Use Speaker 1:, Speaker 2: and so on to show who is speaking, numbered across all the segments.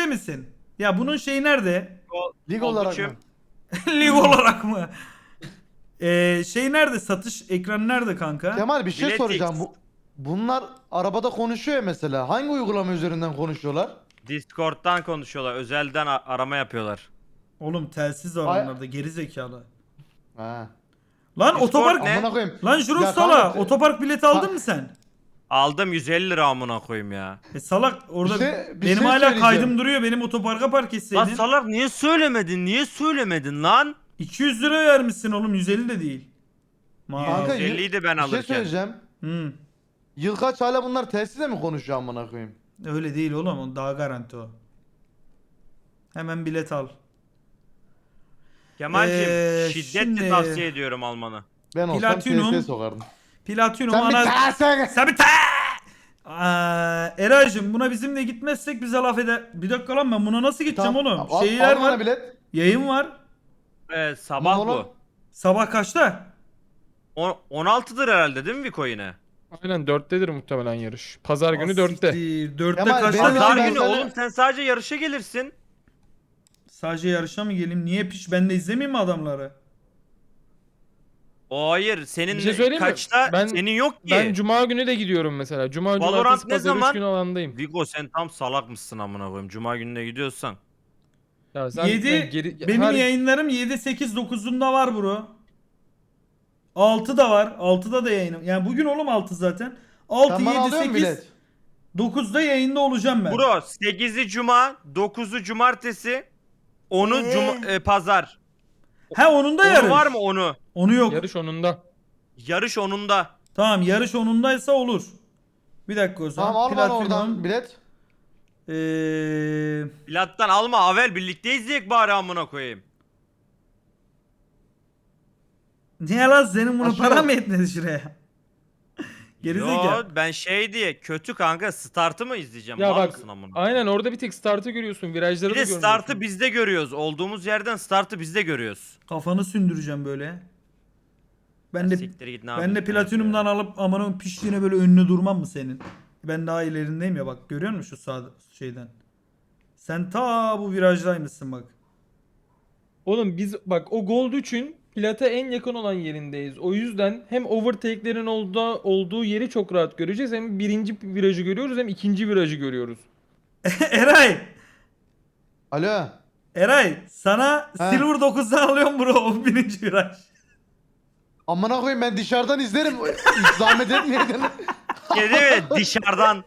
Speaker 1: şeyde misin? Ya bunun şeyi nerede?
Speaker 2: Lig olarak mı?
Speaker 1: Lig olarak mı? Şey nerede? Satış ekranı nerede kanka?
Speaker 2: Kemal bir şey
Speaker 3: Biletix.
Speaker 2: soracağım. Bunlar arabada konuşuyor ya mesela. Hangi uygulama üzerinden konuşuyorlar?
Speaker 3: Discord'dan konuşuyorlar. Özelden arama yapıyorlar.
Speaker 1: Oğlum telsiz var
Speaker 2: Ay-
Speaker 1: onlarda geri zekalı.
Speaker 2: Ha.
Speaker 1: Lan
Speaker 3: Discord
Speaker 1: otopark
Speaker 3: ne?
Speaker 2: Amına koyayım.
Speaker 1: Lan
Speaker 2: Ya
Speaker 1: Jurox'tala
Speaker 2: kanka,
Speaker 1: otopark bileti aldın mı sen?
Speaker 3: Aldım 150 lira amına koyayım ya.
Speaker 1: Salak orada
Speaker 2: Bir
Speaker 1: benim
Speaker 2: şey
Speaker 1: hala
Speaker 2: söyleyeceğim.
Speaker 1: kaydım duruyor. Benim otoparka park
Speaker 3: Lan
Speaker 1: etseydin.
Speaker 3: salak niye söylemedin? Niye söylemedin lan?
Speaker 1: 200 lira vermişsin oğlum 150 de değil.
Speaker 2: Kanka,
Speaker 3: 150'yi de ben
Speaker 2: bir şey
Speaker 3: alırken.
Speaker 2: söyleyeceğim. Yıl kaç hala bunlar telsizle mi konuşuyor amına koyayım?
Speaker 1: Öyle değil oğlum o daha garanti o. Hemen bilet al.
Speaker 3: Kemal'cim şiddetle
Speaker 1: şimdi-
Speaker 3: tavsiye ediyorum almanı.
Speaker 2: Ben olsam
Speaker 1: Platinum.
Speaker 2: TS sokardım.
Speaker 1: Platinum
Speaker 2: Sen bir
Speaker 1: ana...
Speaker 2: terse.
Speaker 1: Sen bir Eray'cım buna bizimle gitmezsek bize laf eder. Bir dakika lan ben buna nasıl gideceğim oğlum? Şeyler var.
Speaker 2: Bilet.
Speaker 1: Yayın var.
Speaker 3: Sabah
Speaker 2: Tamam oğlum.
Speaker 3: bu.
Speaker 1: Sabah kaçta?
Speaker 3: 16'dır herhalde değil mi Viko yine?
Speaker 4: Aynen 4'tedir muhtemelen yarış. Pazar günü 4'te.
Speaker 1: 4'te
Speaker 2: Kemal,
Speaker 1: kaçta?
Speaker 2: benim-
Speaker 3: Pazar
Speaker 2: ben
Speaker 3: günü
Speaker 2: sana-
Speaker 3: oğlum sen sadece yarışa gelirsin.
Speaker 1: Sadece yarışa mı geleyim? Niye piç? Ben de izlemeyeyim mi adamları?
Speaker 3: O hayır senin
Speaker 4: Bir şey söyleyeyim mi?
Speaker 3: kaçta
Speaker 4: Ben-
Speaker 3: senin yok ki.
Speaker 4: Ben cuma günü de gidiyorum mesela. Cuma,
Speaker 3: Valorant
Speaker 4: cumartesi,
Speaker 3: ne
Speaker 4: pazar 3
Speaker 3: zaman?
Speaker 4: gün alandayım.
Speaker 3: Vigo sen tam salak mısın amına koyayım. Cuma gününe gidiyorsan.
Speaker 4: Ya sen
Speaker 1: 7 benim
Speaker 4: her-
Speaker 1: yayınlarım 7 8 9'unda var bro. 6 da var. 6'da da yayınım. Yani bugün oğlum 6 zaten. 6
Speaker 2: Sen bana
Speaker 1: 7
Speaker 2: alıyor musun
Speaker 1: 8
Speaker 2: bilet?
Speaker 1: 9'da yayında olacağım ben.
Speaker 3: Bro 8'i cuma, 9'u cumartesi, 10'u pazar.
Speaker 1: He onun da
Speaker 3: Onu
Speaker 1: yarış.
Speaker 3: var mı onu?
Speaker 1: Onu yok.
Speaker 4: yarış onunda.
Speaker 3: Yarış onunda.
Speaker 1: Tamam yarış onundaysa olur. Bir dakika o zaman.
Speaker 2: Tamam al bana
Speaker 1: Platinum.
Speaker 2: oradan bilet.
Speaker 3: Plattan alma Avel birlikte izleyek bari amına koyayım.
Speaker 1: Niye lan senin bunu
Speaker 2: Aşırı-
Speaker 1: para mı etmedi şuraya? Gerizekalı.
Speaker 3: Yo ben şey diye kötü kanka startı mı izleyeceğim?
Speaker 4: Ya
Speaker 3: Mal
Speaker 4: bak
Speaker 3: mısın amına?
Speaker 4: aynen orada bir tek startı görüyorsun. Virajları
Speaker 3: Bir
Speaker 4: da
Speaker 3: de
Speaker 4: görmüyorsun.
Speaker 3: startı bizde görüyoruz. Olduğumuz yerden startı bizde görüyoruz.
Speaker 1: Kafanı sündüreceğim böyle. Ben de
Speaker 3: Siktir git, ne
Speaker 1: ben de
Speaker 3: yapıyorsun
Speaker 1: platinumdan
Speaker 3: ya?
Speaker 1: alıp amanın piştiğine böyle önüne durmam mı senin? Ben daha ilerindeyim ya bak görüyor musun şu sağ şeyden? Sen ta bu virajdaymışsın bak.
Speaker 4: Oğlum biz bak o Gold 3'ün plata en yakın olan yerindeyiz. O yüzden hem overtake'lerin olduğu yeri çok rahat göreceğiz. Hem birinci virajı görüyoruz hem ikinci virajı görüyoruz.
Speaker 1: Eray!
Speaker 2: Alo.
Speaker 1: Eray sana
Speaker 2: He.
Speaker 1: Silver 9'dan alıyorum bro 11. viraj.
Speaker 2: Amına koyayım ben dışarıdan izlerim. Hiç zahmet etmeyeydin.
Speaker 3: Kedi mi? Dışarıdan.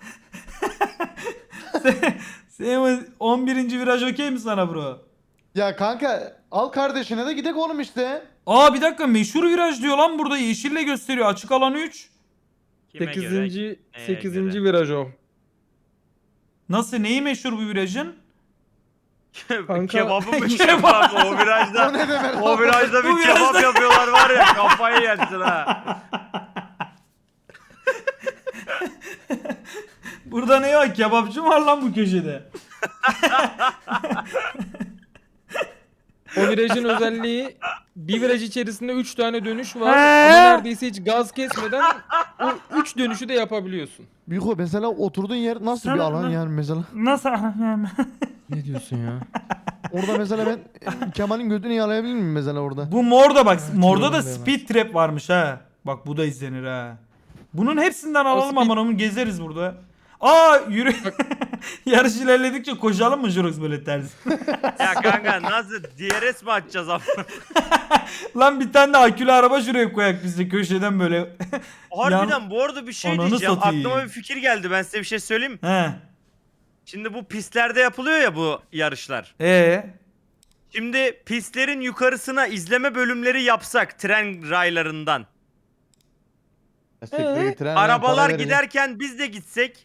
Speaker 1: Senin 11. viraj okey mi sana bro?
Speaker 2: Ya kanka al kardeşine de gidek oğlum işte.
Speaker 1: Aa bir dakika meşhur viraj diyor lan burada yeşille gösteriyor açık alan 3.
Speaker 3: Kime
Speaker 4: 8.
Speaker 3: göre?
Speaker 4: 8.
Speaker 3: göre?
Speaker 4: viraj o.
Speaker 1: Nasıl neyi meşhur bu virajın?
Speaker 4: Kanka-
Speaker 3: Kebabı mı kebap? O virajda.
Speaker 2: O ne demek?
Speaker 3: O virajda bir
Speaker 1: Bu virajda-
Speaker 3: kebap yapıyorlar var ya kafayı yersin ha.
Speaker 1: Burada ne var kebapçı mı var lan bu köşede?
Speaker 4: O virajın özelliği bir viraj içerisinde 3 tane dönüş var.
Speaker 1: He.
Speaker 4: Ama neredeyse hiç gaz kesmeden o 3 dönüşü de yapabiliyorsun.
Speaker 2: Büyük mesela oturduğun yer nasıl bir
Speaker 1: Sana-
Speaker 2: alan yani mesela?
Speaker 1: Nasıl?
Speaker 4: Ne diyorsun ya?
Speaker 2: Orada mesela ben Kemal'in götünü yalayabilir miyim mesela orada?
Speaker 1: Bu morda bak morda da
Speaker 4: yorumlayamaz.
Speaker 1: speed trap varmış ha. Bak bu da izlenir ha. Bunun hepsinden alalım
Speaker 4: speed-
Speaker 1: aman onu gezeriz burada. Aa yürü. Yarış ilerledikçe koşalım mı Jurox böyle ters?
Speaker 3: Ya kanka nasıl DRS mi açacağız ama?
Speaker 1: Lan bir tane de akülü araba şuraya koyak biz de köşeden böyle.
Speaker 3: Harbiden bu arada bir şey
Speaker 1: Ananı
Speaker 3: diyeceğim.
Speaker 1: satayım.
Speaker 3: Aklıma bir fikir geldi. Ben size bir şey söyleyeyim mi?
Speaker 1: He.
Speaker 3: Şimdi bu pistlerde yapılıyor ya bu yarışlar. Şimdi pistlerin yukarısına izleme bölümleri yapsak tren raylarından. Arabalar giderken biz de gitsek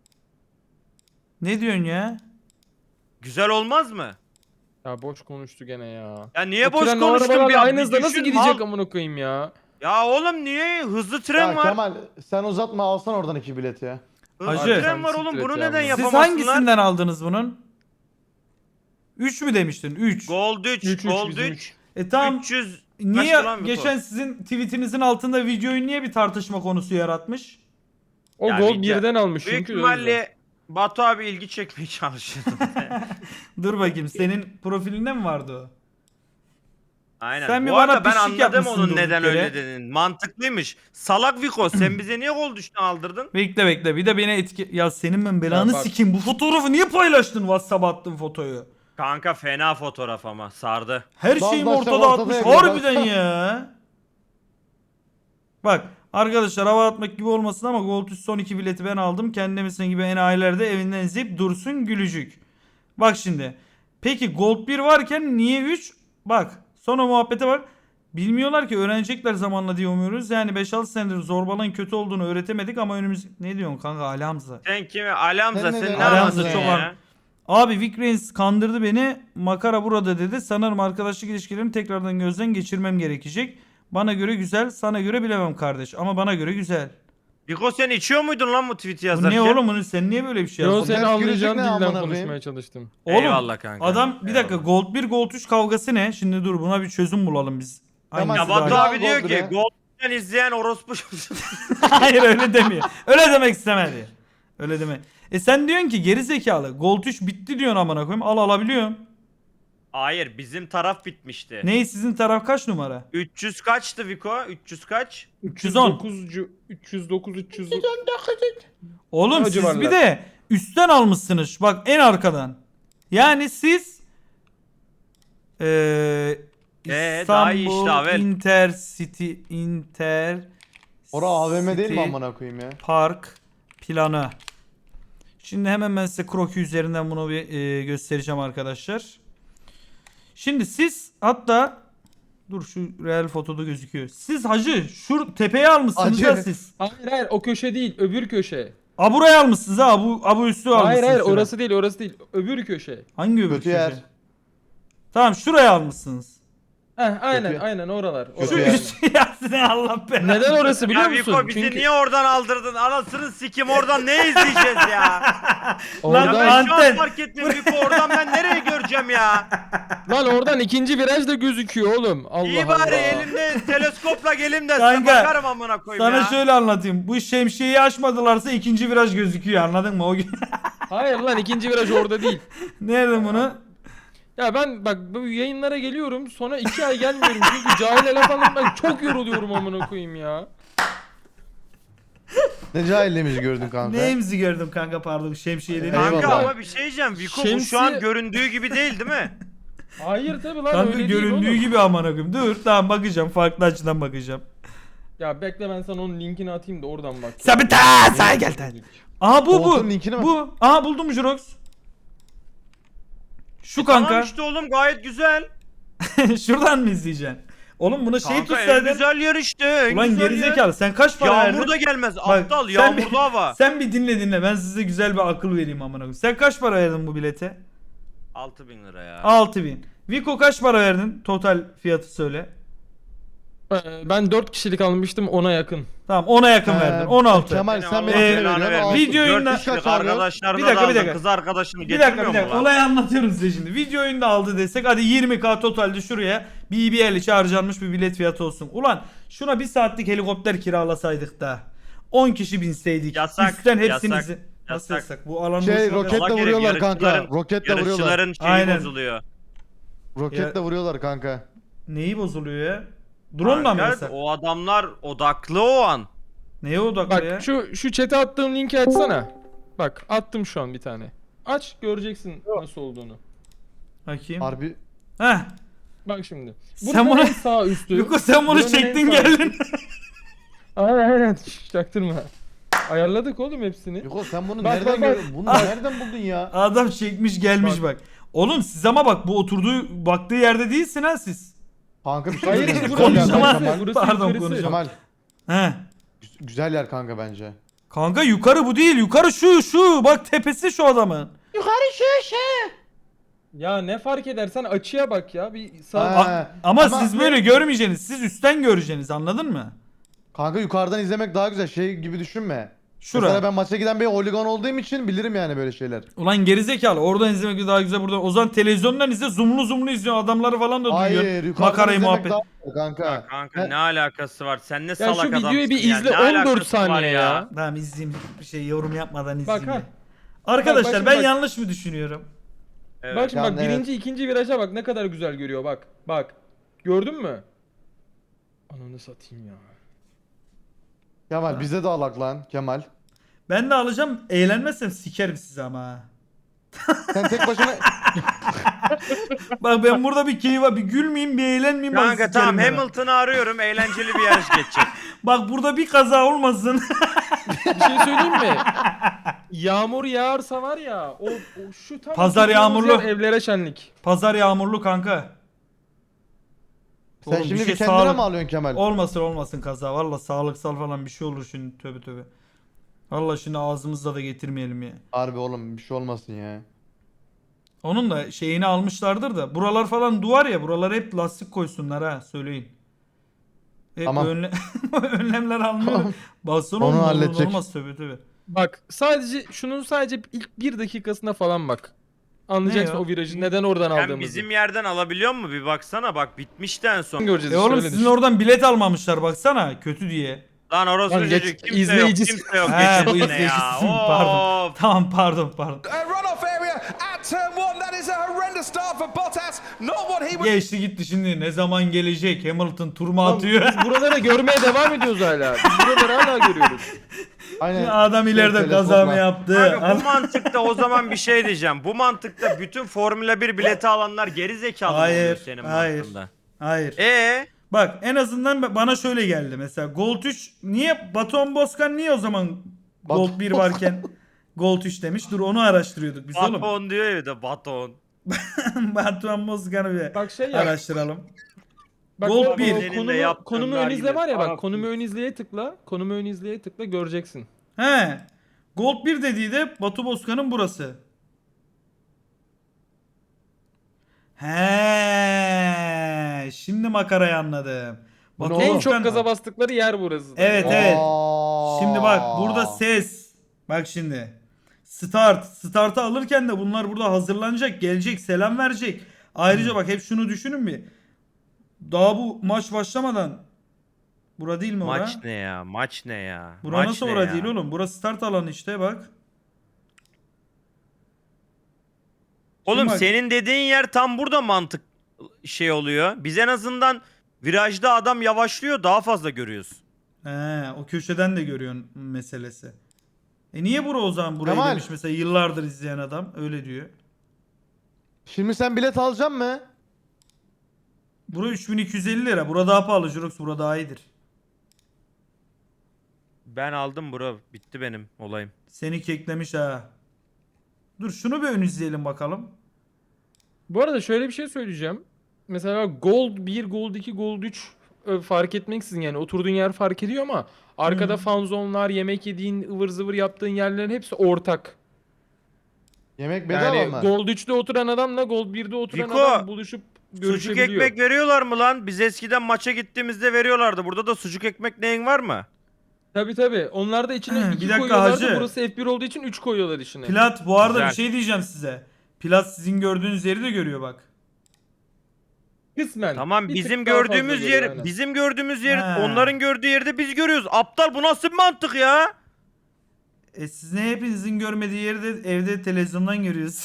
Speaker 1: Ne diyorsun ya?
Speaker 3: güzel olmaz mı?
Speaker 4: Ya boş konuştu gene ya.
Speaker 3: Ya niye
Speaker 4: O
Speaker 3: boş
Speaker 4: tren o
Speaker 3: konuştun
Speaker 4: arabalarla
Speaker 3: bir
Speaker 4: aynı hızda nasıl
Speaker 3: düşün,
Speaker 4: gidecek
Speaker 3: mal.
Speaker 4: amına koyayım ya?
Speaker 3: Ya oğlum niye? Hızlı tren
Speaker 2: Ya
Speaker 3: var.
Speaker 2: Kemal sen uzatma alsan oradan 2 bilet ya.
Speaker 3: Hızlı
Speaker 1: Hacı.
Speaker 3: tren var
Speaker 4: Sen
Speaker 3: oğlum.
Speaker 4: siktir
Speaker 3: Bunu
Speaker 4: et ya
Speaker 3: neden
Speaker 4: bunu.
Speaker 1: Siz
Speaker 3: yapamazsınlar?
Speaker 1: hangisinden aldınız bunun? 3 mü demiştin? 3.
Speaker 3: Gold 3, Gold
Speaker 4: bizim
Speaker 3: 3.
Speaker 1: Tamam.
Speaker 3: 300
Speaker 1: Niye
Speaker 3: kaçtı lan bu
Speaker 1: geçen sizin tweetinizin altında videoyu niye bir tartışma konusu yaratmış?
Speaker 4: O
Speaker 3: Ya
Speaker 4: gol
Speaker 3: video-
Speaker 4: birden almış
Speaker 3: Büyük
Speaker 4: çünkü. o yüzden.
Speaker 3: ihtimalle Batu abi ilgi çekmeye çalışıyordu.
Speaker 1: Dur bakayım senin profilinde mi vardı o?
Speaker 3: Aynen.
Speaker 1: Sen bir
Speaker 3: Bu
Speaker 1: bana
Speaker 3: arada ben
Speaker 1: pişlik
Speaker 3: anladım
Speaker 1: yapmışsın
Speaker 3: onun
Speaker 1: durduk
Speaker 3: neden
Speaker 1: yere.
Speaker 3: öyle dediğini. Mantıklıymış. Salak Viko sen bize niye gol düştün aldırdın?
Speaker 1: Bekle bir de beni etki... Ya senin ben belanı
Speaker 4: Ya bak.
Speaker 1: sikeyim. Bu fotoğrafı niye paylaştın WhatsApp'a attın fotoyu?
Speaker 3: Kanka fena fotoğraf ama sardı.
Speaker 1: Her
Speaker 2: Bazı
Speaker 1: şeyim
Speaker 2: akşam
Speaker 1: ortada
Speaker 2: ortada
Speaker 1: atmış.
Speaker 2: yapıyor,
Speaker 1: Harbiden ya. Bak arkadaşlar hava atmak gibi olmasın ama Gold üst son 2 bileti ben aldım. Kendimizin gibi enayiler de evinden izleyip dursun gülücük. Bak şimdi. Peki Gold 1 varken niye 3? Bak sonra muhabbete bak. Bilmiyorlar ki öğrenecekler zamanla diye umuyoruz. Yani 5-6 senedir zorbalığın kötü olduğunu öğretemedik ama önümüz... Ne diyorsun kanka Ali Hamza?
Speaker 3: Sen kimi? Alamza
Speaker 2: Sen
Speaker 3: sen
Speaker 2: ne
Speaker 3: ne
Speaker 2: Ali
Speaker 1: Hamza
Speaker 3: anlatıyorsun
Speaker 1: çok
Speaker 3: ya?
Speaker 1: Abi Vic Reigns kandırdı beni. Makara burada dedi. Sanırım arkadaşlık ilişkilerimi tekrardan gözden geçirmem gerekecek. Bana göre güzel, sana göre bilemem kardeş. Ama bana göre güzel.
Speaker 3: Viko sen içiyor muydun lan bu tweet'i
Speaker 1: Bu
Speaker 3: yazarken?
Speaker 1: ne oğlum bunu sen niye böyle bir şey
Speaker 4: Yo
Speaker 1: yazdın?
Speaker 4: seni
Speaker 2: Ters
Speaker 4: anlayacağın
Speaker 2: gülücük ne
Speaker 4: dilden
Speaker 2: amına
Speaker 4: konuşmaya
Speaker 2: koyayım?
Speaker 4: çalıştım.
Speaker 1: Oğlum
Speaker 3: Eyvallah kanka.
Speaker 1: adam bir dakika
Speaker 3: Eyvallah.
Speaker 1: Gold 1 Gold 3 kavgası ne? Şimdi dur buna bir çözüm bulalım biz.
Speaker 2: Tamam,
Speaker 3: Ya
Speaker 1: Hangisi
Speaker 3: Batu
Speaker 1: daha iyi?
Speaker 3: abi
Speaker 2: Gol
Speaker 3: diyor ki
Speaker 2: bre.
Speaker 3: golden izleyen orospu
Speaker 1: Hayır öyle demiyor. Öyle demek istemedi. Öyle deme. Sen diyorsun ki geri zekalı. Gold 3 bitti diyorsun amına koyayım. Al alabiliyorum.
Speaker 3: Hayır bizim taraf bitmişti.
Speaker 1: Ney sizin taraf kaç numara?
Speaker 3: 300 kaçtı Viko? 300 kaç?
Speaker 1: 310.
Speaker 4: 309 309.
Speaker 1: Oğlum
Speaker 4: O
Speaker 1: siz
Speaker 4: civarlar.
Speaker 1: bir de üstten almışsınız. Bak en arkadan. Yani siz
Speaker 3: daha iyi işte
Speaker 1: İstanbul
Speaker 3: Avel.
Speaker 1: Inter
Speaker 2: Ora AVM değil
Speaker 1: City
Speaker 2: mi amına koyayım ya?
Speaker 1: Park planı. Şimdi hemen ben size kroki üzerinden bunu bir göstereceğim arkadaşlar. Şimdi siz hatta dur şu real fotoda gözüküyor. Siz hacı şu tepeye almışsınız
Speaker 2: Hacı.
Speaker 1: ya siz.
Speaker 4: Hayır o köşe değil öbür köşe.
Speaker 1: Buraya almışsınız ha. Bu üstü almışsınız.
Speaker 4: Hayır
Speaker 1: şuraya.
Speaker 4: orası değil öbür köşe.
Speaker 1: Hangi öbür
Speaker 2: Kötü yer.
Speaker 1: köşe? Tamam şuraya almışsınız.
Speaker 4: Aynen
Speaker 2: Kötü.
Speaker 4: aynen oralar.
Speaker 2: Kötü
Speaker 1: Şu
Speaker 2: yer.
Speaker 1: üstü yazsın Allah belanı.
Speaker 4: Neden orası biliyor
Speaker 3: Ya
Speaker 4: musun?
Speaker 3: Viko bizi
Speaker 4: Çünkü
Speaker 3: niye oradan aldırdın? Anasını sikim oradan ne izleyeceğiz ya? Ya
Speaker 4: oradan,
Speaker 3: ben şu
Speaker 1: Anten.
Speaker 3: an fark ettim Viko oradan ben nereye göreceğim ya?
Speaker 4: lan oradan ikinci viraj da gözüküyor oğlum. Allah
Speaker 3: İyi
Speaker 4: Allah.
Speaker 3: bari elimde teleskopla gelim de size
Speaker 1: Kanka,
Speaker 3: bakarım amına koyayım
Speaker 1: Sana
Speaker 3: ya.
Speaker 1: şöyle anlatayım. Bu şemsiyeyi açmadılarsa ikinci viraj gözüküyor anladın mı? O gün.
Speaker 4: Hayır lan ikinci viraj orada değil.
Speaker 1: Nerede bunu?
Speaker 4: Ya ben bak bu yayınlara geliyorum sonra 2 ay gelmiyorum çünkü cahil laf anlatmak çok yoruluyorum amına koyayım ya.
Speaker 2: Ne cahilliğimizi gördün kanka.
Speaker 1: Neyimizi gördüm kanka pardon şemsiye dedim.
Speaker 3: Kanka
Speaker 2: Eyvallah.
Speaker 3: ama bir şey diyeceğim Viko bu
Speaker 4: Şemsi-
Speaker 3: şu an göründüğü gibi değil değil mi?
Speaker 4: Hayır tabi lan
Speaker 1: Kanka
Speaker 4: öyle
Speaker 1: göründüğü
Speaker 4: değil oğlum.
Speaker 1: gibi amına koyayım. Dur tamam bakacağım farklı açıdan bakacağım.
Speaker 4: Ya bekle ben sana onun linkini atayım da oradan bak.
Speaker 1: Sen bir sağ gel sen. Aha bu
Speaker 2: Koltuğun linkini mi?
Speaker 1: Bu. Aha buldum Jurox. Şu
Speaker 3: Tamam
Speaker 1: kanka.
Speaker 3: işte oğlum gayet güzel.
Speaker 1: Şuradan mı izleyeceksin? Oğlum buna şey
Speaker 3: Kanka en
Speaker 1: tutsaydın.
Speaker 3: güzel yer işte. En
Speaker 1: Ulan
Speaker 3: güzel
Speaker 1: gerizekalı sen kaç para verdin?
Speaker 3: Yağmur da gelmez.
Speaker 1: Bak,
Speaker 3: Aptal
Speaker 1: sen bir-
Speaker 3: yağmurlu hava.
Speaker 1: Sen bir dinle ben size güzel bir akıl vereyim amına koyayım. Sen kaç para verdin bu bilete?
Speaker 3: 6000 lira ya.
Speaker 1: 6000. Vico kaç para verdin? Total fiyatı söyle.
Speaker 4: Ben 4 kişilik almıştım ona yakın.
Speaker 1: Tamam 10'a yakın verdin. 16.
Speaker 2: Kemal
Speaker 3: Seni
Speaker 2: sen
Speaker 3: Allah
Speaker 2: beni
Speaker 3: belanı
Speaker 2: veriyorsun.
Speaker 3: vermesin.
Speaker 1: Video yayında-
Speaker 3: Dört kişilik
Speaker 2: Kaç alıyor?
Speaker 3: arkadaşlarına
Speaker 1: Bir dakika,
Speaker 3: da
Speaker 1: bir dakika.
Speaker 3: aldın, kız arkadaşını
Speaker 1: Bir dakika
Speaker 3: getirmiyor mu lan?
Speaker 1: olayı anlatıyorum size şimdi. Video oyunda aldı desek hadi 20k totalde şuraya BBL için harcanmış bir bilet fiyatı olsun. Ulan şuna bir saatlik helikopter kiralasaydık da 10 kişi binseydik.
Speaker 3: Yasak,
Speaker 1: Üstten hepsinizi.
Speaker 3: yasak,
Speaker 1: Nasıl
Speaker 3: yasak.
Speaker 1: yasak? Bu alanın
Speaker 2: Şey
Speaker 1: boşuna-
Speaker 2: roketle
Speaker 3: Salak herif,
Speaker 2: vuruyorlar kanka.
Speaker 3: yarışçıların-
Speaker 2: Roketle vuruyorlar.
Speaker 3: Yarışçıların şeyi
Speaker 1: Aynen.
Speaker 3: bozuluyor.
Speaker 2: Roketle vuruyorlar kanka.
Speaker 1: Neyi bozuluyor ya? Drone'la mı
Speaker 3: Kanka,
Speaker 1: yasak?
Speaker 3: o adamlar odaklı o an.
Speaker 1: Neye odaklı ya?
Speaker 4: Bak şu chat'e attığım linki açsana. Bak attım şu an bir tane. Aç göreceksin nasıl olduğunu.
Speaker 1: Bakayım.
Speaker 2: Harbi.
Speaker 1: Heh.
Speaker 4: Bak şimdi.
Speaker 1: Sen
Speaker 4: Buranın
Speaker 1: bunu-
Speaker 4: en sağ üstü.
Speaker 1: Yuko sen bunu
Speaker 4: Buranın en
Speaker 1: çektin
Speaker 4: sağ
Speaker 1: geldin.
Speaker 4: üstü. Aynen şş, çaktırma. Ayarladık oğlum hepsini.
Speaker 2: Yuko sen bunu
Speaker 4: Bak,
Speaker 2: nereden
Speaker 4: bak, bak.
Speaker 2: gördün? Bunu nereden buldun ya?
Speaker 1: Adam çekmiş gelmiş bak. Oğlum siz ama bak bu oturduğu baktığı yerde değilsin ha siz.
Speaker 2: Kanka bir şey
Speaker 4: Hayır
Speaker 2: söyleyeyim.
Speaker 4: burası
Speaker 2: Güzel yer
Speaker 1: Konuşamaz.
Speaker 2: Kemal.
Speaker 4: burası
Speaker 1: Pardon,
Speaker 4: yukarısı.
Speaker 1: konuşamam.
Speaker 2: Kemal.
Speaker 1: He.
Speaker 2: Güzel yer kanka bence.
Speaker 1: Kanka yukarı bu değil. Yukarı şu. Bak tepesi şu adamın.
Speaker 4: Ya ne fark edersen açıya bak ya. Bir sağ...
Speaker 2: Ha.
Speaker 1: Ama
Speaker 2: Ama-
Speaker 1: siz böyle görmeyeceksiniz. Siz üstten göreceksiniz. Anladın mı?
Speaker 2: Kanka yukarıdan izlemek daha güzel. Şey gibi düşünme.
Speaker 1: Şura.
Speaker 2: Mesela ben maça giden bir holigan olduğum için bilirim yani böyle şeyler.
Speaker 1: Ulan gerizekalı. Oradan izlemek daha güzel burada. O zaman televizyondan izle. Zoomlu izliyor. Adamları falan da
Speaker 2: Hayır
Speaker 1: duyuyor.
Speaker 2: yukarıdan
Speaker 1: Makarayı
Speaker 2: izlemek
Speaker 1: muhabbet.
Speaker 2: daha güzel kanka.
Speaker 3: Kanka
Speaker 2: He.
Speaker 3: ne alakası var? Sen ne
Speaker 4: Ya
Speaker 3: salak
Speaker 4: şu
Speaker 3: adamsın
Speaker 4: videoyu bir
Speaker 3: ya.
Speaker 4: izle
Speaker 3: Ne
Speaker 4: 14
Speaker 3: alakası var
Speaker 4: saniye ya.
Speaker 1: Tamam izleyeyim. Bir şey yorum yapmadan
Speaker 4: Bak
Speaker 1: izleyeyim.
Speaker 4: ha.
Speaker 1: ya. Arkadaşlar
Speaker 4: bak,
Speaker 1: ben
Speaker 4: bak.
Speaker 1: yanlış mı düşünüyorum?
Speaker 3: Evet.
Speaker 4: Bak şimdi
Speaker 2: Yani
Speaker 4: bak
Speaker 2: evet.
Speaker 4: birinci ikinci viraja bak ne kadar güzel görüyor bak. Bak. Gördün mü? Ananı satayım ya.
Speaker 2: Kemal bize de alak lan Kemal.
Speaker 1: Ben de alacağım. Eğlenmezsem sikerim sizi ama. Ha.
Speaker 2: Sen tek başına
Speaker 1: Bak ben burada bir keyif var. Bir gülmeyeyim, bir eğlenmeyeyim. bak
Speaker 3: Kanka
Speaker 1: sikerim
Speaker 3: tamam,
Speaker 1: ben ha.
Speaker 3: Hamilton'ı arıyorum, eğlenceli bir yarış geçecek.
Speaker 1: Bak burada bir kaza olmasın.
Speaker 4: Bir şey söyleyeyim mi? Yağmur yağarsa var ya o şu tam
Speaker 1: Pazar
Speaker 4: oturduğumuz
Speaker 1: yağmurlu.
Speaker 4: yer evlere şenlik.
Speaker 1: Pazar yağmurlu kanka.
Speaker 2: sen
Speaker 1: Oğlum,
Speaker 2: şimdi
Speaker 1: bir
Speaker 2: bir
Speaker 1: şey
Speaker 2: kendine
Speaker 1: sağlık-
Speaker 2: mi alıyorsun Kemal?
Speaker 1: Olmasın kaza. Valla sağlıksal falan bir şey olur şimdi. Tövbe tövbe. Valla şimdi ağzımızda da getirmeyelim ya.
Speaker 2: Harbi oğlum bir şey olmasın ya.
Speaker 1: Onun da şeyini almışlardır da. Buralar falan duvar ya. Buralara hep lastik koysunlar ha. Söyleyin. Hep
Speaker 2: Tamam.
Speaker 1: önlemler almıyor.
Speaker 2: Tamam.
Speaker 1: Baston
Speaker 2: Onu
Speaker 1: olmaz.
Speaker 2: halledecek.
Speaker 1: Olmaz tövbe tövbe.
Speaker 4: Bak sadece ilk bir dakikasına falan bak. Anlayacaksın
Speaker 1: Ne ya?
Speaker 4: o virajı neden oradan
Speaker 3: Sen
Speaker 4: aldığımızı.
Speaker 3: bizim yerden alabiliyor mu? Bir baksana, bak bitmişti en son.
Speaker 4: Göreceğiz
Speaker 1: Oğlum
Speaker 4: öyle
Speaker 1: sizin
Speaker 4: düşün.
Speaker 1: oradan bilet almamışlar baksana. Kötü diye.
Speaker 3: Lan orası
Speaker 4: Lan geç-
Speaker 3: çocuk, kimse
Speaker 4: izleyicisi-
Speaker 3: yok, kimse yok.
Speaker 1: He bu
Speaker 3: Geçesine ya.
Speaker 1: izleyicisin. Pardon.
Speaker 3: Of.
Speaker 1: Tamam pardon.
Speaker 5: Runoff area at turn 1. That is a horrendous start for Bottas. Not what he was.
Speaker 1: Geçti gitti şimdi. Ne zaman gelecek? Hamilton turma
Speaker 4: Lan
Speaker 1: atıyor.
Speaker 4: Biz buraları görmeye devam ediyoruz hala. Biz buraları hala görüyoruz.
Speaker 2: Aynen.
Speaker 1: Adam ileride
Speaker 2: Şey,
Speaker 1: kaza mı
Speaker 2: telefonla.
Speaker 1: yaptı?
Speaker 3: Kanka bu mantıkta o zaman bir şey diyeceğim. Bu mantıkta bütün Formula 1 bileti alanlar geri zekalı mı oluyor
Speaker 1: Hayır.
Speaker 3: senin
Speaker 1: Hayır.
Speaker 3: mantığında?
Speaker 1: Hayır.
Speaker 3: Bak
Speaker 1: Bak en azından bana şöyle geldi mesela. Gold 3 niye Baton Boskan niye o zaman Gold 1 varken Gold 3 demiş? Dur onu araştırıyorduk biz oğlum.
Speaker 3: baton diyor ya, bir de baton.
Speaker 1: Baton Boskan'ı bir
Speaker 4: Bak şey ya.
Speaker 1: araştıralım.
Speaker 4: Bak
Speaker 1: Gold
Speaker 4: o-
Speaker 1: bir.
Speaker 4: o
Speaker 3: Senin de
Speaker 4: konumu,
Speaker 3: yaptığın
Speaker 4: konumu ön izle
Speaker 3: nargile.
Speaker 4: var ya bak
Speaker 3: Arap
Speaker 4: konumu
Speaker 3: mısın?
Speaker 4: ön izleye tıkla. Konumu ön izleye tıkla göreceksin.
Speaker 1: He. Gold 1 dediği de Batu Boskan'ın burası. He. Şimdi makarayı anladım.
Speaker 2: Bu
Speaker 1: Batu
Speaker 2: ne oğlum?
Speaker 4: En çok
Speaker 1: Boskan-
Speaker 4: gaza bastıkları yer burası.
Speaker 1: Evet evet.
Speaker 2: Aa.
Speaker 1: Şimdi bak burada ses. Bak şimdi. Start'ı alırken de bunlar burada hazırlanacak. Gelecek selam verecek. Ayrıca bak hep şunu düşünün bir. Daha bu maç başlamadan. Bura değil mi ora?
Speaker 3: Maç ne ya? Maç ne ya?
Speaker 1: Bura
Speaker 3: Maç
Speaker 1: nasıl
Speaker 3: ne
Speaker 1: ora
Speaker 3: ya?
Speaker 1: değil oğlum? Burası start alanı işte bak.
Speaker 3: Oğlum
Speaker 1: Şimdi bak-
Speaker 3: senin dediğin yer tam burada mantık şey oluyor. Biz en azından virajda adam yavaşlıyor, daha fazla görüyoruz.
Speaker 1: He, o köşeden de görüyorsun meselesi. Niye bura o zaman burayı
Speaker 2: Kemal.
Speaker 1: demiş mesela yıllardır izleyen adam öyle diyor.
Speaker 2: Şimdi sen bilet alacaksın mı?
Speaker 1: Bura 3250 lira. Bura daha pahalı Jurox. Bura daha iyidir.
Speaker 3: Ben aldım bro. Bitti benim olayım.
Speaker 1: Seni keklemiş ha. Dur şunu bir ön izleyelim bakalım.
Speaker 4: Bu arada şöyle bir şey söyleyeceğim. Mesela Gold 1, Gold 2, Gold 3 fark etmeksizin yani oturduğun yer fark ediyor ama arkada fan zone'lar, yemek yediğin, ıvır zıvır yaptığın yerlerin hepsi ortak.
Speaker 2: Yemek bedava
Speaker 4: Yani
Speaker 2: mı?
Speaker 4: Gold 3'te oturan adamla Gold 1'de oturan
Speaker 3: Fiko,
Speaker 4: adam buluşup
Speaker 3: Sucuk
Speaker 4: görüşebiliyor.
Speaker 3: ekmek veriyorlar mı lan? Biz eskiden maça gittiğimizde veriyorlardı. Burada da sucuk ekmek neyin var mı?
Speaker 4: Tabii. Onlar da içine
Speaker 1: Bir
Speaker 4: 2
Speaker 1: dakika
Speaker 4: koyuyorlardı.
Speaker 1: hacı.
Speaker 4: Burası F1 olduğu için 3 koyuyorlar içine.
Speaker 1: Plat bu arada
Speaker 3: Güzel.
Speaker 1: bir şey diyeceğim size. Plat sizin gördüğünüz yeri de görüyor bak.
Speaker 4: Kısmen.
Speaker 3: Tamam,
Speaker 4: Bir
Speaker 3: bizim
Speaker 4: tık daha fazla
Speaker 3: gördüğümüz
Speaker 4: görüyor,
Speaker 3: yer,
Speaker 4: aynen.
Speaker 3: bizim gördüğümüz yer,
Speaker 1: Ha.
Speaker 3: onların gördüğü yerde biz görüyoruz. Aptal, bu nasıl bir mantık ya?
Speaker 1: Siz ne hepinizin görmediği yeri de evde televizyondan görüyoruz.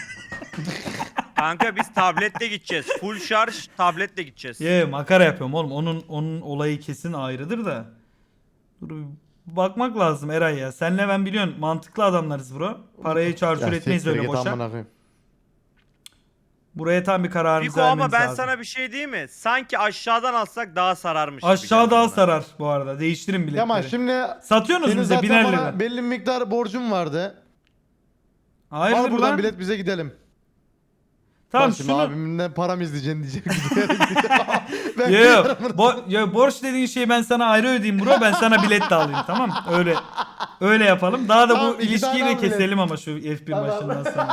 Speaker 3: Kanka biz tabletle gideceğiz. Full şarj tabletle gideceğiz.
Speaker 1: Ye makara yapıyorum oğlum. Onun olayı kesin ayrıdır da. Dur bir bakmak lazım Eray ya. Senle ben biliyorsun mantıklı adamlarız bro. Parayı çarçur
Speaker 2: Ya
Speaker 1: etmeyiz
Speaker 2: siktir
Speaker 1: öyle
Speaker 2: git
Speaker 1: boşa.
Speaker 2: amına koyayım.
Speaker 1: Buraya tam bir kararımızı
Speaker 3: Fiko, ama
Speaker 1: vermemiz
Speaker 3: ben
Speaker 1: lazım.
Speaker 3: sana bir şey diyeyim mi? Sanki aşağıdan alsak daha sararmış gibi
Speaker 1: Aşağı
Speaker 3: geldi
Speaker 1: daha
Speaker 3: bana.
Speaker 1: sarar bu arada. Değiştirin biletleri.
Speaker 2: Kemal şimdi
Speaker 1: Satıyorsunuz
Speaker 2: senin
Speaker 1: bize
Speaker 2: zaten
Speaker 1: biner
Speaker 2: bana
Speaker 1: lira.
Speaker 2: belli bir miktar borcum vardı.
Speaker 1: Hayırdır
Speaker 2: Al buradan
Speaker 1: lan?
Speaker 2: bilet bize gidelim.
Speaker 1: Tamam
Speaker 2: Bak şimdi
Speaker 1: şunu.
Speaker 2: abimden param izleyeceksin diyecek. ben
Speaker 1: Yo,
Speaker 2: gidiyorum buradan.
Speaker 1: borç dediğin şeyi ben sana ayrı ödeyeyim bro. Ben sana bilet de alayım tamam? Öyle yapalım. Daha da
Speaker 2: Tamam,
Speaker 1: bu
Speaker 2: iki
Speaker 1: ilişkiyi
Speaker 2: tane
Speaker 1: de
Speaker 2: al bilet.
Speaker 1: keselim ama şu F1
Speaker 2: Tamam.
Speaker 1: başından sonra.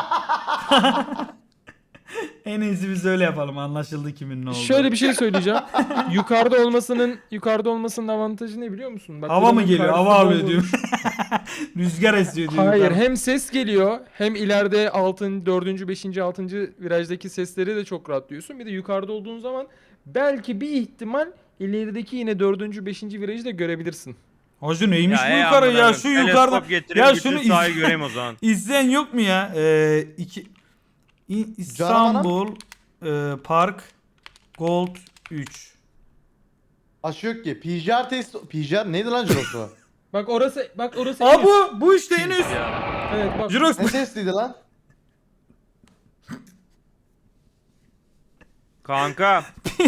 Speaker 1: En iyisi biz öyle yapalım. Anlaşıldı kimin ne olduğu.
Speaker 4: Şöyle bir şey söyleyeceğim. yukarıda olmasının avantajı ne biliyor musun? Bak,
Speaker 1: Hava mı
Speaker 4: buranın
Speaker 1: geliyor?
Speaker 4: karşısı
Speaker 1: Hava alıyor
Speaker 4: bomboş.
Speaker 1: diyor. Rüzgar esiyor diyor.
Speaker 4: Hayır,
Speaker 1: yukarı.
Speaker 4: hem ses geliyor hem ileride 4. 5. 6. virajdaki sesleri de çok rahat duyuyorsun. Bir de yukarıda olduğun zaman belki bir ihtimal ilerideki yine 4. 5. virajı da görebilirsin.
Speaker 1: Hacı neymiş bu
Speaker 3: ey
Speaker 1: yukarı
Speaker 3: amına
Speaker 1: ya
Speaker 3: koyayım,
Speaker 1: şu yukarıda.
Speaker 3: teleskop getireyim,
Speaker 1: Ya
Speaker 3: bütün
Speaker 1: şunu
Speaker 3: sahayı göreyim o zaman.
Speaker 1: izleyen yok mu ya? İstanbul Park Gold 3.
Speaker 2: Aşı yok ki. PCR test. PCR neydi lan Jirosu?
Speaker 4: Bak orası
Speaker 1: Aa
Speaker 4: en üst.
Speaker 1: bu işte en üst.
Speaker 4: Evet bak.
Speaker 1: Jirox
Speaker 2: Ne testiydi lan?
Speaker 3: Kanka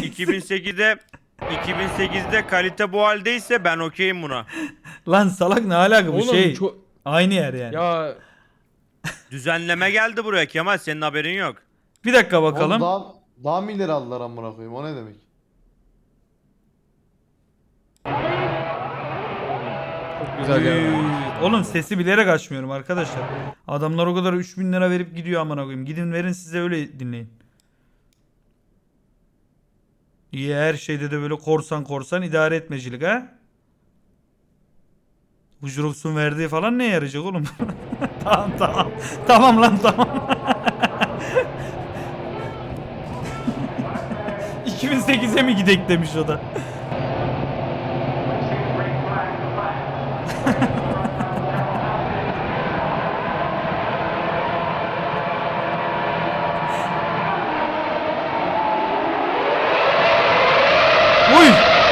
Speaker 3: 2008'de kalite bu haldeyse ben okeyim buna.
Speaker 1: lan salak ne alaka bu
Speaker 4: Oğlum
Speaker 1: şey.
Speaker 4: çok
Speaker 1: Aynı yer yani.
Speaker 4: ya
Speaker 3: Düzenleme geldi buraya Kemal, senin haberin yok.
Speaker 1: Bir dakika
Speaker 2: Oğlum
Speaker 1: bakalım.
Speaker 2: daha mı ileri aldılar amına koyayım? O ne demek?
Speaker 4: çok güzel ya.
Speaker 1: Oğlum sesi bilerek açmıyorum arkadaşlar. Adamlar o kadar 3000 lira verip gidiyor amına koyayım. Gidin verin size öyle dinleyin. İyi her şeyde de böyle korsan idare etmecilik ha. Bu Jurox'un verdiği falan ne yarayacak oğlum? Tamam. Tamam lan tamam. 2008'e mi gidek demiş o da. Uy!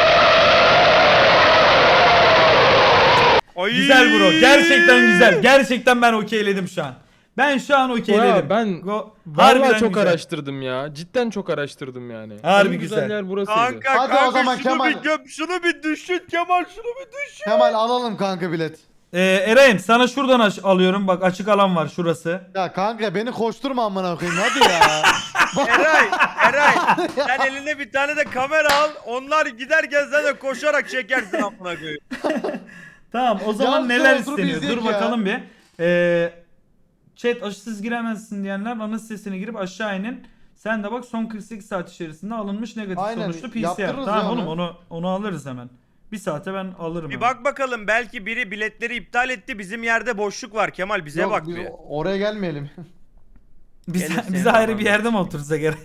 Speaker 3: Ay!
Speaker 1: Güzel bro. Gerçekten güzel. Gerçekten ben okeyledim şu an. Ben şu an okeyledim.
Speaker 4: Ya ben
Speaker 1: Harbiden
Speaker 4: vallahi çok
Speaker 1: güzel.
Speaker 4: araştırdım ya. Cidden çok araştırdım yani.
Speaker 1: Harbi
Speaker 4: En
Speaker 1: güzel.
Speaker 4: yer burasıydı.
Speaker 3: Kanka,
Speaker 2: Hadi
Speaker 3: kanka
Speaker 2: o zaman
Speaker 3: şunu
Speaker 2: Kemal.
Speaker 3: bir göm, şunu bir düşün Kemal, şunu bir düşün.
Speaker 2: Kemal alalım kanka bilet.
Speaker 1: Eray'ım sana şuradan alıyorum. Bak açık alan var şurası.
Speaker 2: Ya kanka beni koşturma amına koyayım hadi ya.
Speaker 3: Eray sen eline bir tane de kamera al, onlar giderken sen de koşarak çekersin amına koyayım.
Speaker 1: Tamam o zaman
Speaker 2: Ya,
Speaker 1: neler
Speaker 2: oturup
Speaker 1: isteniyor?
Speaker 2: izleyek
Speaker 1: Dur
Speaker 2: ya.
Speaker 1: bakalım bir. Chat aşısız giremezsin diyenler ana sitesine girip aşağı inin. Sen de bak son 48 saat içerisinde alınmış negatif
Speaker 2: Aynen,
Speaker 1: sonuçlu PCR.
Speaker 2: yaptırırız
Speaker 1: Tamam
Speaker 2: ya
Speaker 1: oğlum
Speaker 2: onu.
Speaker 1: onu alırız hemen. Bir saate ben alırım.
Speaker 3: Bir
Speaker 1: hemen.
Speaker 3: bak bakalım, belki biri biletleri iptal etti, bizim yerde boşluk var Kemal, bize
Speaker 2: Yok,
Speaker 3: bak
Speaker 2: biz
Speaker 3: bir.
Speaker 2: oraya gelmeyelim.
Speaker 1: Bize
Speaker 3: Gelirsin
Speaker 1: bize ayrı
Speaker 3: tamam.
Speaker 1: bir yerde mi otursak gerek?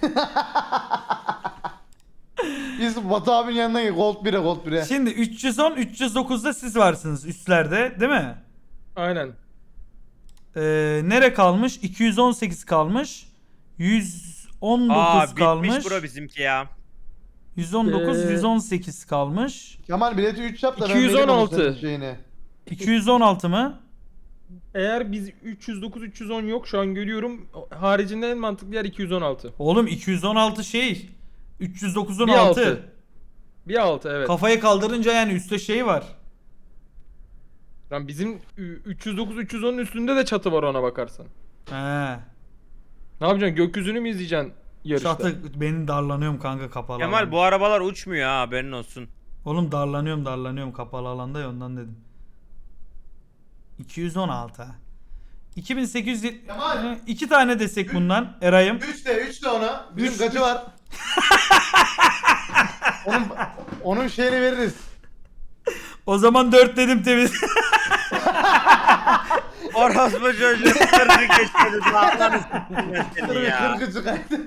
Speaker 2: Biz Batu abinin yanına gel. Gold 1'e Gold 1'e.
Speaker 1: Şimdi 310 309'da siz varsınız üstlerde değil mi?
Speaker 4: Aynen.
Speaker 1: Nere kalmış? 218 kalmış. 119
Speaker 3: Aa
Speaker 1: kalmış.
Speaker 3: bitmiş bro bizimki ya.
Speaker 1: 119,
Speaker 4: Ee,
Speaker 1: 118 kalmış.
Speaker 2: Kemal bileti 3 yap da ben vereyim
Speaker 4: 216.
Speaker 2: onun senin şeyini.
Speaker 1: 216 mı?
Speaker 4: Eğer biz 309 310 yok şu an görüyorum. Haricinde en mantıklı yer 216.
Speaker 1: Oğlum 216 şey. 309'un
Speaker 4: Bir
Speaker 1: altı.
Speaker 4: altı. Bir altı evet.
Speaker 1: Kafayı kaldırınca yani üstte şey var.
Speaker 4: Lan bizim 309 310'un üstünde de çatı var ona bakarsan.
Speaker 1: He.
Speaker 4: Ne yapacaksın? Gökyüzünü mü izleyeceksin yarışta?
Speaker 1: Çatı benim darlanıyorum kanka kapalı
Speaker 3: Kemal
Speaker 1: alanda.
Speaker 3: bu arabalar uçmuyor ha, haberin olsun.
Speaker 1: Oğlum darlanıyorum kapalı alanda ya ondan dedim. 216 ha. 2800
Speaker 2: Kemal.
Speaker 1: 2 tane desek bundan Eray'ım.
Speaker 2: 3 de ona. Bizim
Speaker 1: Üç-
Speaker 2: kaçı var? onun şeyini veririz.
Speaker 1: O zaman 4 dedim temiz.
Speaker 3: Orospu çocuğu kırdı geçmedi. Allah'ını s**tim seni ya.
Speaker 2: 40'ı çıkarttı.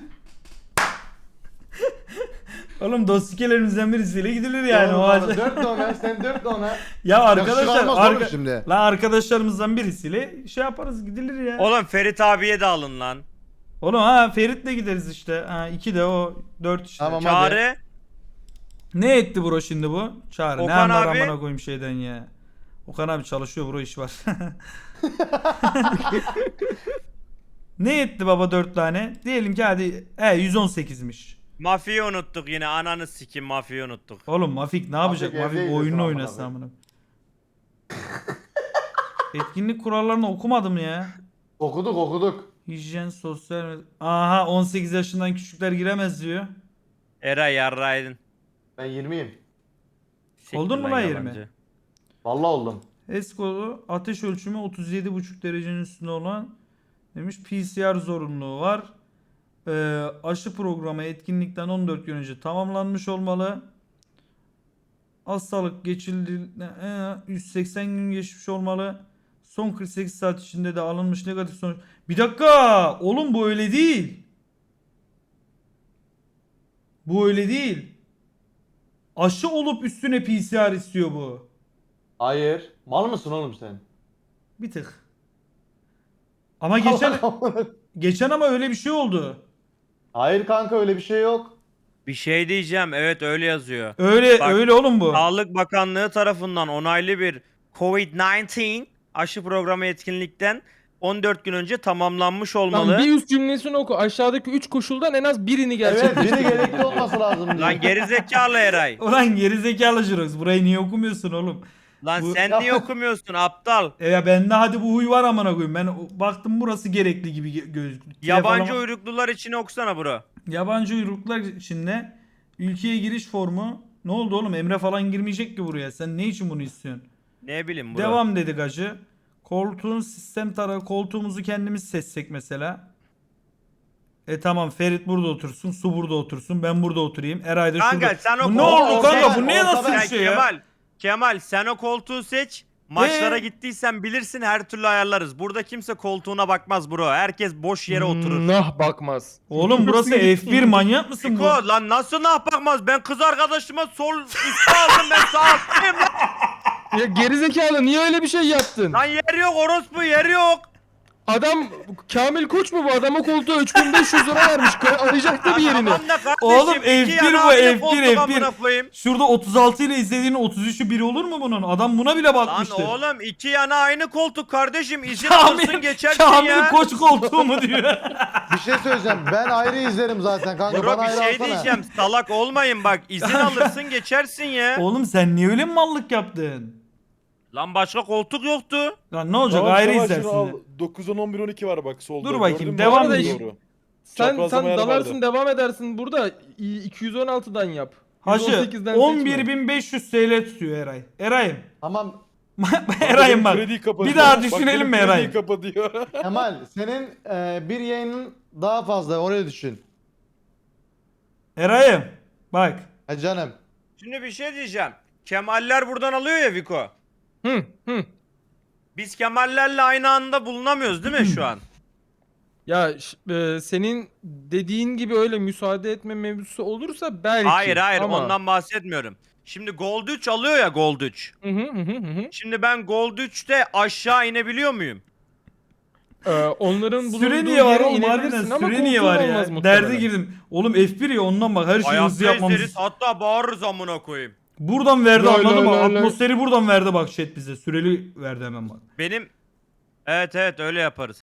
Speaker 1: Oğlum dostikelerimizden birisiyle gidilir yani o ağaca.
Speaker 2: 4 de ona, sen 4 de ona.
Speaker 1: Ya arkadaşlar
Speaker 2: Yakışık almaz oğlum şimdi.
Speaker 1: lan arkadaşlarımızdan birisiyle şey yaparız gidilir ya.
Speaker 3: Oğlum Ferit abiye de alın lan.
Speaker 1: Oğlum ha Ferit'le gideriz işte. Ha 2 de o 4 işte.
Speaker 2: Tamam.
Speaker 3: Çağrı.
Speaker 1: Ne etti bro şimdi bu? Çağrı ne
Speaker 3: Okan
Speaker 1: anlar
Speaker 3: abi-
Speaker 1: amına koyayım şeyden ya. Okan abi çalışıyor bro iş var. Ne etti baba 4 tane? Diyelim ki hadi 118'miş.
Speaker 3: Mafyayı unuttuk yine, ananı sikim, mafyayı unuttuk.
Speaker 1: Oğlum Mafik ne yapacak?
Speaker 2: Mafik
Speaker 1: Mafik
Speaker 2: evde
Speaker 1: oyununu
Speaker 2: gidiyorsun
Speaker 1: oynasın
Speaker 2: amına
Speaker 1: amına. Etkinlik kurallarını okumadım ya.
Speaker 2: Okuduk.
Speaker 1: Hijyen, sosyal... Aha 18 yaşından küçükler giremez diyor.
Speaker 3: Eray yarraydın.
Speaker 2: Ben 20'yim.
Speaker 3: Siktir
Speaker 1: Oldun mu lan
Speaker 3: yalancı.
Speaker 1: 20?
Speaker 2: Vallahi oldum.
Speaker 1: Esko'lu ateş ölçümü 37,5 derecenin üstünde olan demiş PCR zorunluluğu var. Aşı programı etkinlikten 14 gün önce tamamlanmış olmalı. Hastalık geçildi 180 gün geçmiş olmalı. Son 48 saat içinde de alınmış negatif sonuç. Bir dakika oğlum bu öyle değil. Bu öyle değil. Aşı olup üstüne PCR istiyor bu.
Speaker 2: Hayır. Mal mısın oğlum sen?
Speaker 1: Bir tık. Ama geçen Geçen ama öyle bir şey oldu.
Speaker 2: Hayır kanka öyle bir şey yok.
Speaker 3: Bir şey diyeceğim. Evet öyle yazıyor.
Speaker 1: Öyle
Speaker 3: Bak,
Speaker 1: öyle oğlum bu.
Speaker 3: Sağlık Bakanlığı tarafından onaylı bir COVID-19 aşı programı etkinlikten 14 gün önce tamamlanmış olmalı.
Speaker 4: Lan bir üst cümlesini oku. Aşağıdaki 3 koşuldan en az birini
Speaker 2: Evet
Speaker 4: gerçekleştir.
Speaker 2: biri gerekli olması lazım diyor.
Speaker 3: Lan gerizekalı Eray.
Speaker 1: Ulan gerizekalı Jirox. Burayı niye okumuyorsun oğlum?
Speaker 3: Lan
Speaker 1: Bu-
Speaker 3: sen niye okumuyorsun aptal?
Speaker 1: Ya bende hadi bu huy var amına koyayım. Ben baktım burası gerekli gibi gözüktü.
Speaker 3: Yabancı
Speaker 1: Telefona-
Speaker 3: uyruklular için okusana bro.
Speaker 1: Yabancı uyruklar içinde ülkeye giriş formu. Ne oldu oğlum? Emre falan girmeyecek ki buraya. Sen ne için bunu istiyorsun?
Speaker 3: Ne bileyim bro.
Speaker 1: Devam dedik hacı. Koltuğun sistem tarafı, koltuğumuzu kendimiz seçsek mesela. Tamam, Ferit burada otursun, Su burada otursun, ben burada oturayım. Eray da
Speaker 3: Kanka
Speaker 1: şurada.
Speaker 3: sen o
Speaker 1: Bu ne
Speaker 3: koltuğu
Speaker 1: oldu kanka?
Speaker 3: seç.
Speaker 1: Bu niye nasıl bir
Speaker 3: Sen
Speaker 1: şey ya?
Speaker 3: Kemal sen o koltuğu seç. Maçlara
Speaker 1: Ee?
Speaker 3: gittiysen bilirsin her türlü ayarlarız. Burada kimse koltuğuna bakmaz bro. Herkes boş yere oturur.
Speaker 4: Nah bakmaz.
Speaker 1: Oğlum burası F1, manyak mısın bu?
Speaker 3: Niko lan nasıl nah bakmaz? Ben kız arkadaşıma sol üstü aldım, ben sağ alttayım lan.
Speaker 4: Ya gerizekalı niye öyle bir şey yaptın?
Speaker 3: Lan yer yok orospu, yer yok.
Speaker 4: Adam Kamil Koç mu bu? Adama koltuğa 3500 lira vermiş. Arayacaktı bir yerini.
Speaker 3: Tamam da kardeşim,
Speaker 1: Oğlum,
Speaker 3: iki
Speaker 1: F1
Speaker 3: yana
Speaker 1: bu,
Speaker 3: aynı
Speaker 1: F1,
Speaker 3: koltuk amına
Speaker 1: F1.
Speaker 3: koyayım.
Speaker 1: Şurada 36 ile izlediğin 33'ü biri olur mu bunun? Adam buna bile
Speaker 3: Lan
Speaker 1: bakmıştır.
Speaker 3: oğlum iki yana aynı koltuk kardeşim. İzin
Speaker 1: Kamil,
Speaker 3: alırsın geçersin
Speaker 1: Kamil
Speaker 3: ya.
Speaker 1: Koç koltuğu mu diyor?
Speaker 2: Bir şey söyleyeceğim. Ben ayrı izlerim zaten kanka.
Speaker 3: Bro
Speaker 2: Bana
Speaker 3: bir
Speaker 2: ayrı
Speaker 3: şey
Speaker 2: alsana.
Speaker 3: diyeceğim. Salak olmayın bak. İzin alırsın geçersin ya.
Speaker 1: Oğlum sen niye öyle mallık yaptın?
Speaker 3: Lan başka koltuk yoktu.
Speaker 1: Lan ne olacak,
Speaker 6: Tamam,
Speaker 1: ayrı
Speaker 6: Savaş,
Speaker 1: izlersin.
Speaker 6: şunu al.
Speaker 1: de.
Speaker 6: 9, 10, 11, 12 var bak solda.
Speaker 1: Dur bakayım,
Speaker 6: Gördün mü?
Speaker 1: devam
Speaker 6: Doğru.
Speaker 1: edeyim.
Speaker 4: Sen
Speaker 6: Çaprazlama yer
Speaker 4: dalarsın
Speaker 6: vardı.
Speaker 4: devam edersin burada. 216'dan yap.
Speaker 1: Hacı
Speaker 4: 118'den seçme.
Speaker 1: 11.500 TL tutuyor Eray. Eray'ım.
Speaker 2: Tamam
Speaker 1: Eray'ım bak.
Speaker 6: Krediyi kapat
Speaker 1: Bir
Speaker 6: diyor.
Speaker 1: daha
Speaker 6: Bak,
Speaker 1: düşünelim
Speaker 6: benim
Speaker 1: mi
Speaker 6: krediyi
Speaker 1: Eray'ım?
Speaker 6: kapat diyor.
Speaker 2: Kemal senin bir yayının daha fazla oraya düşün.
Speaker 1: Eray'ım. Bak.
Speaker 2: Ha canım.
Speaker 3: Şimdi bir şey diyeceğim. Kemaller buradan alıyor ya Viko.
Speaker 4: Hı.
Speaker 3: Biz Kemallerle aynı anda bulunamıyoruz değil mi şu an?
Speaker 4: Ya senin dediğin gibi öyle müsaade etme mevzusu olursa belki.
Speaker 3: Hayır
Speaker 4: ama...
Speaker 3: ondan bahsetmiyorum. Şimdi Gold 3 alıyor ya Gold 3.
Speaker 4: Hı.
Speaker 3: Şimdi ben Gold 3'te aşağı inebiliyor muyum?
Speaker 4: Onların bulunduğu
Speaker 1: Süre niye var
Speaker 4: yere
Speaker 1: oğlum?
Speaker 4: inebilirsin
Speaker 1: Harbiden
Speaker 4: ama
Speaker 1: süre niye
Speaker 4: koltuğun
Speaker 1: var
Speaker 4: olmaz
Speaker 1: ya?
Speaker 4: muhtemelen.
Speaker 1: Derde girdim. Oğlum F1 ya, ondan bak, her şeyi hızlı
Speaker 3: Hayatta
Speaker 1: yapmamız.
Speaker 3: izleriz, hatta bağırırız amına koyayım.
Speaker 1: Buradan verdi,
Speaker 4: Lay
Speaker 1: anladın
Speaker 4: lay
Speaker 1: mı?
Speaker 4: lay lay.
Speaker 1: Atmosferi buradan verdi bak chat bize. Süreli verdi hemen bak.
Speaker 3: Benim... Evet öyle yaparız.